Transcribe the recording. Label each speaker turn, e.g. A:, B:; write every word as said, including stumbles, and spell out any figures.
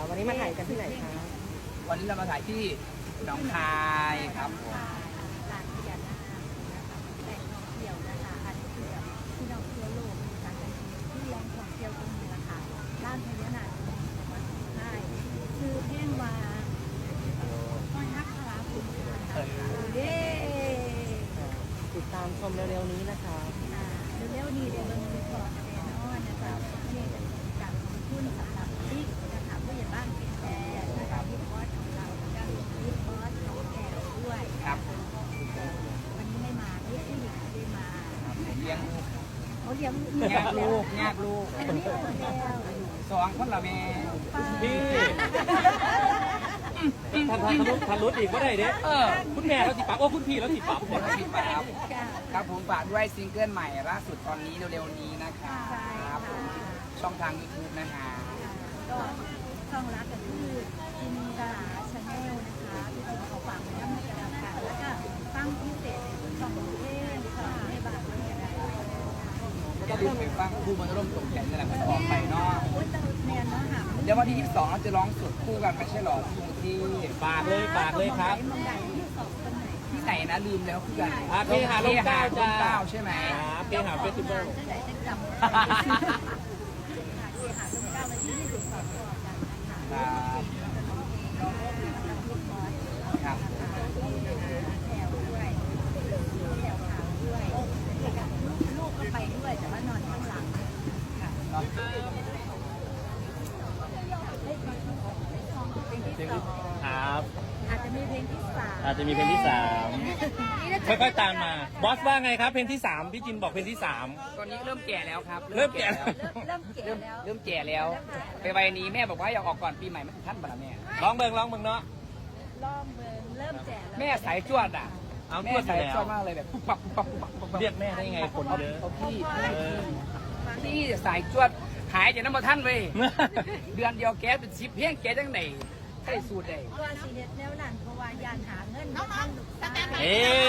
A: วันนี้มาถ่ายกันที่ไหนคะ
B: วันนี้เรามาถ่ายที่หนองคายครับผม
C: ร้านเดียวนะคะแหล่งท่องเที่ยวนะคะอันนี้คือแบบที่เราเที่ยวโลกนะคะที่แหล่งท่องเที่ยวตรงนี้แหละค่ะร้านพญานาคจังหวัดสุโขทัยคือแห้งวาต้อนฮักคาราคุณค่ะเย้
A: ติดตามชมเร็วๆนี้นะคะ
C: อ่าเร็วๆนี้เดี๋ยวเบิ่งรีพอร์ตแน่นอนนะคะนี่จะเป็นการลงทุนสำหรับที่นะคะผู้ใหญ่บ้านเป็นแพรนะคะที่บอสของเราแล้วก็ที่บอสของแพรด้วย
B: ครับ
C: วันนี้ไม่มาพี่ผู้หญิงไม่ได้มา
B: เลี้ยงลูก
C: เขาเลี้ยง
B: ยากลูกยากลูก
C: อันนี้หมดแล้ว
B: สองคนละแม่
D: พี่ทันทันทะลุทะลุอีกก็ได้เด้
B: เออ
D: คุณแม่เราติดปากโอ้คุณพี่เราติดปาก
B: คนละสิบบาทครับครับผมฝากด้วยซิงเกิลใหม่ล่าสุดตอนนี้เร็วๆนี้นะครับ
C: ใช่ค่ะ
B: ผมช่องทาง ยูทูบ นะฮะ
C: ก็ช่องรักก็คือจินดาชาแนลนะคะที่จริงเขาฝากไว้ในกระดาษกันแล้วก็ตั้งพิเศษในช่องเพลงช่องในบ้านด้วยก็ได้
B: อย่าลืมไปฟังคู่มันร่มตกแขนนี่แหละมันออกไปเนาะ
C: โอ้ยแต่แมนเนาะหา
B: เดี๋ยววันที่ยี่สิบสองเราจะร้องสดคู่กันไม่ใช่หรอที่กรุงเทพ
D: ฝากเลยฝากเลยครับ
C: มองใดที่สองคนไหน
B: ที่ไหนนะลืมแล้วคือกัน
D: อ่าเคหาลมเกล้าจ้า
B: เก้าใช่ไหม
D: ครับเคหาเฟสติวัล
C: จะได้จะจำหาหาลมเก้าวันที่ยี่สิบสองก่อนกันนะคะ
B: ครับ
C: แถวด้วยแถวขาวด้วยลูกก็ไปด้วยแต่ว่านอนข้างหลังค่ะ
B: เนาะ
C: เพลงที่สอง
D: ครับ
C: อาจจะมีเพลงที่สาม
D: อาจจะมีเพลงที่สามค่อยๆตามมาบอสว่าไงครับเพลงที่สามพี่จินบอกเพลงที่สาม
B: ตอนนี้เริ่มแก่แล้วครับ
D: เริ่มแก่
B: แล้ว
C: เริ่มเริ่มเก๋
B: เริ่ม
C: แล้ว
B: เริ่มแก่แล้ว ไปวัยนี้แม่บอกว่าอยากออกก่อนปีใหม่ไม่ถึงท่านบ่ละแม่
D: ร้องเบิงร้องเบิงเนาะ
C: ล่อมเบิงเริ่มแจ๋แล้ว
B: แม่สายจวดอ่ะ
D: เอา
B: แม่
D: จวดอยู่
B: สาย
D: แล้ว
B: จวดมากเลยแบบปุ๊บปับปุ๊บปับปุ๊บปับปุ๊บปับ
D: เรียกแม่ได้ไงคนเยอะ
B: เอาพี่
D: เออ
B: พี่สายจวดหายจากน้ำมาท่านเว้ยเดือนเดียวแกเป็นสิบเพียงแกจังไหนใช่สูตรใด
C: ว่าสีเด็ดแนวนั้นเพราะว่ายานหาเงินน้องๆ
D: เอ๊ะ